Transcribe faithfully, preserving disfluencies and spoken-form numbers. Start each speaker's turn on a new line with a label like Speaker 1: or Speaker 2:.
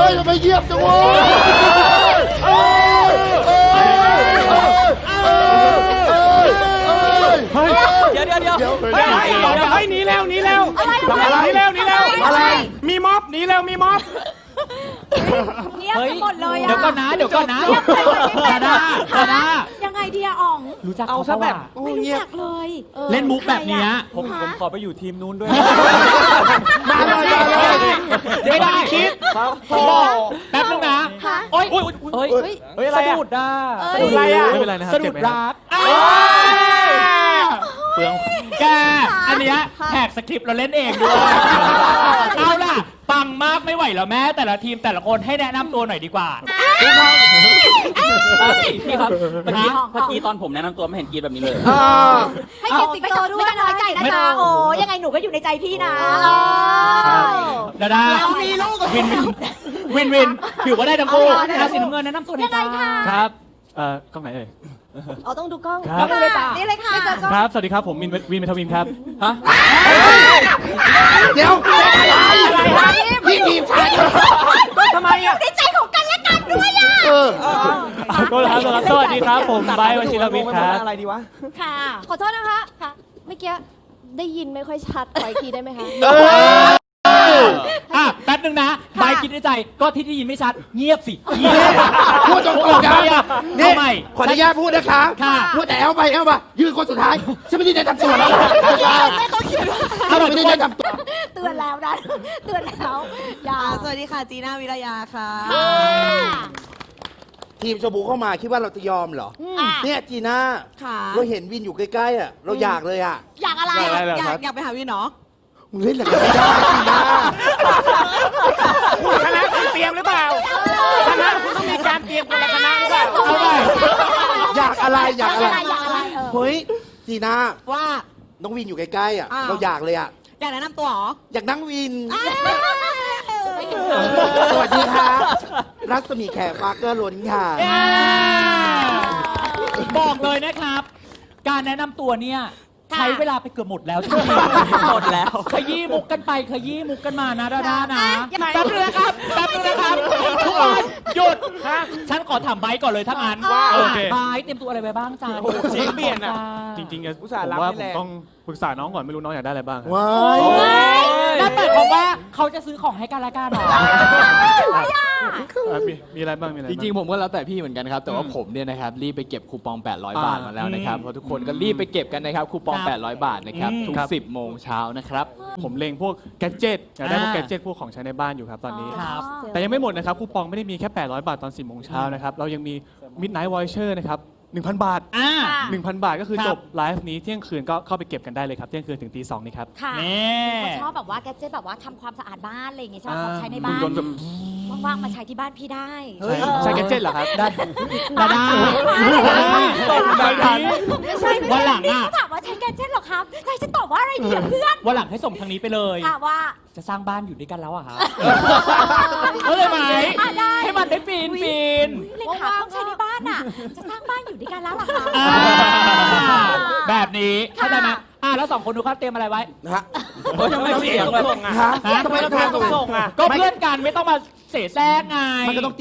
Speaker 1: ยทำไมเยียบจังวะ
Speaker 2: เดี๋ยวเดี๋ยวเดี๋ยว
Speaker 3: เดี๋ยวเฮ้ยหนีแล้วหนีแล้วหนีแล้วหนีแล้วอะไรมีม็อบหนีแล้วมีม็อบ
Speaker 4: เงียบไปหมดเลยอ่ะ
Speaker 2: เดี๋ยวก่อนนะเดี๋ยวก่อนนะ
Speaker 4: เงียบไปหมดเลย
Speaker 2: ดาดาดาดา
Speaker 4: ยังไงดีอะอ๋อง
Speaker 2: รู้จักเขาซะแบบ
Speaker 4: ไม่รู้จักเลย
Speaker 2: เล่นมุกแบบนี้
Speaker 5: ผมผมขอไปอยู่ทีมนู้นด้วย
Speaker 3: มาเลยมาเลย
Speaker 2: ไม่ได้คิดแป๊บนึงนะโอ๊ยโอ๊ยโอ๊ย
Speaker 5: เฮ้ยอะไรอะสะดุดอ่ะ
Speaker 3: สะดุดอะไรอ่ะ
Speaker 5: ไม่เป็นไรนะครับ
Speaker 2: สะดุดรักเปลืองแกอันเนี้ยแหกสคริปต์เราเล่นเองด้วยเอาล่ะปังมากไม่ไหวแล้วแม่แต่ละทีมแต่ละคนให้แนะนำตัวหน่อยดีกว่า
Speaker 5: พี่ครับเมื่อกี้เมื่อกี้ตอนผมแนะนำตัวไม่เห็นกรีดแบบนี้เลย
Speaker 4: ให้เกียรติสิงโตด้วยไม่ต้องน้อยใจนะจ๊ะโอ้ยังไงหนูก็อยู่ในใจพี่นะ
Speaker 2: ดาดาวินวินวินวินถือว่าได้ทั้งคู่ราศีน้ำเงินแนะนำตัวหน่อยจ้า
Speaker 5: ครับเอ่อกล้องไหนเอ่ย
Speaker 4: อ๋อต้องดูกล้อง
Speaker 5: ครับ
Speaker 4: นี่เลยจ้ะนี่เลยค่ะ
Speaker 5: ครับสวัสดีครับผมวินวินเมทวินครับฮะ
Speaker 1: เดี๋ยวพี่ทีมชาย
Speaker 4: ทำไมอ่ะในใจของกันและกันด้วยอ่ะ
Speaker 1: เออ
Speaker 5: ก็ครับสวัสดีครับผมไบร์ทวชิรวิทย์ครับ
Speaker 2: อะไรดีวะ
Speaker 4: ค่ะขอโทษนะคะค่ะเมื่อกี้ได้ยินไม่ค่อยชัดขออีกทีได้ไหมคะ
Speaker 2: อ่ะแป๊บนึงนะใบคิดในใจก็ที่ได้ยินไม่ชัดเงียบสิเงียบ
Speaker 1: พูดตรงๆนะ
Speaker 2: นี่ไม่
Speaker 1: ขออนุญาตพูดนะคะพูดแต่เอาไปเอาไปยืนคนสุดท้ายฉันไม่ได้แนะนำตัวแล้ว
Speaker 4: ไม่เขาคิดว่า
Speaker 1: ฉันไม่ได้แนะนำตัว
Speaker 4: เตือนแล้วนะเตือนแล้วอย่า
Speaker 6: สวัสดีค่ะจีน่าวิรยาค่ะ
Speaker 1: ทีมชบูเข้ามาคิดว่าเราจะยอมเหรอเนี่ยจีน่าเราเห็นวินอยู่ใกล้ๆอ่ะเราอยากเลยอ่ะ
Speaker 4: อยากอะไร
Speaker 6: อยากอยากไปหาวินเนาะ
Speaker 1: มึงเล่นอะไรไม่ได้จีน่า
Speaker 3: คณะคุณเตรียมหรือเปล่าคณะคุณต้องมีการเตรียมคนละคณะหรือเปล่า
Speaker 1: อยากอะไรอยากอะไร
Speaker 4: อยากอะไร
Speaker 1: เฮ้ยจีน่า
Speaker 6: ว่า
Speaker 1: น้องวินอยู่ใกล้ๆอ่ะเราอยากเลยอ่ะ
Speaker 6: อยากแนะนำตัวหรอ
Speaker 1: อยากนั่งวินสวัสดีค่ะรัศมีแขกฟาเกอร์ล้นค่ะ
Speaker 2: บอกเลยนะครับการแนะนำตัวเนี่ยใช้เวลาไปเกือบหมดแล้วใช่ไหมหมดแล้วขยี้มุกกันไปขยี้มุกกันมานะดาดานะแป๊บนึงนะครับแป๊บนึงนะครับทุกคนหยุดฉันขอถามไบค์ก่อนเลยถ้างั้นว่าไบค์เตรียมตัวอะไรไปบ้างจ้า
Speaker 3: เสียงเปลี่ยนอ่ะ
Speaker 5: จริงๆผมว่าผมต้องปรึกษาน้องก่อนไม่รู้น้องอยากได้อะไรบ้าง
Speaker 1: ว้าย
Speaker 2: นั่นหมายความว่าเขาจะซื้อของให้กันละกันหรอ
Speaker 5: มีอะไรบ้างมีอะไร
Speaker 7: จริงๆผมก็แล้วแต่พี่เหมือนกันครับแต่ว่าผมเนี่ยนะครับรีบไปเก็บคูปองแปดร้อยบาทมาแล้วนะครับเพราะทุกคนก็รีบไปเก็บกันนะครับคูปองแปดร้อยบาทนะครับทุกสิบโมงเช้านะครับ
Speaker 5: ผมเล็งพวกแกดเจิตอยากได้พวกแกดเจิตพวกของใช้ในบ้านอยู่ครับตอนนี้แต่ยังไม่หมดนะครับคูปองไม่ได้มีแค่แปดร้อยบาทตอนสิบโมงเช้านะครับเรายังมี Midnight Voucher นะครับหนึ่งพัน บาทหนึ่งพัน บาทก็คือจบไลฟ์นี้เที่ยงคืนก็เข้าไปเก็บกันได้เลยครับเที่ยงคืนถึงตีสองนี่ครับ
Speaker 4: ค่ะเขาชอบแบบว่าแกดเจิตแบบว่าทำความสะอาดบ้านอะไรอย่างเงี้ยใช่ไหมของใช้ในบ้านว่างๆมาใช้ที่บ้านพี่ได้
Speaker 5: ใช้แกดเจิตเหรอครับได้
Speaker 2: ได้
Speaker 4: ไม่ใช่
Speaker 2: วันหลังอ่ะ
Speaker 4: ถามว่าใช้แกดเจิตหรอครับใครจะตอบว่าอะไรดีเพื่อน
Speaker 2: วันหลังให้ส่งทางนี้ไปเลย
Speaker 4: ว่า
Speaker 2: จะสร้างบ้านอยู่ด้วยกันแล้วอะครับเข้าใจไหมให้มันได้ฟินฟิน
Speaker 4: เลยค่ะต้องใช้ในบ้านอ่ะจะสร้างบ้านอยู่ด้วยกันแล้วหรอคะ
Speaker 2: แบบนี้เข้าใจไหมอ่าแล้วสองคนดูครับเตรียมอะไรไว้
Speaker 1: ฮะ
Speaker 2: ยังไม่เสียงเลย
Speaker 1: ทำไมเราทำส่งอ่ะ
Speaker 2: ก็เพื่อนกันไม่ต้องมาเสแสร้งไง
Speaker 1: มันก็ต้อง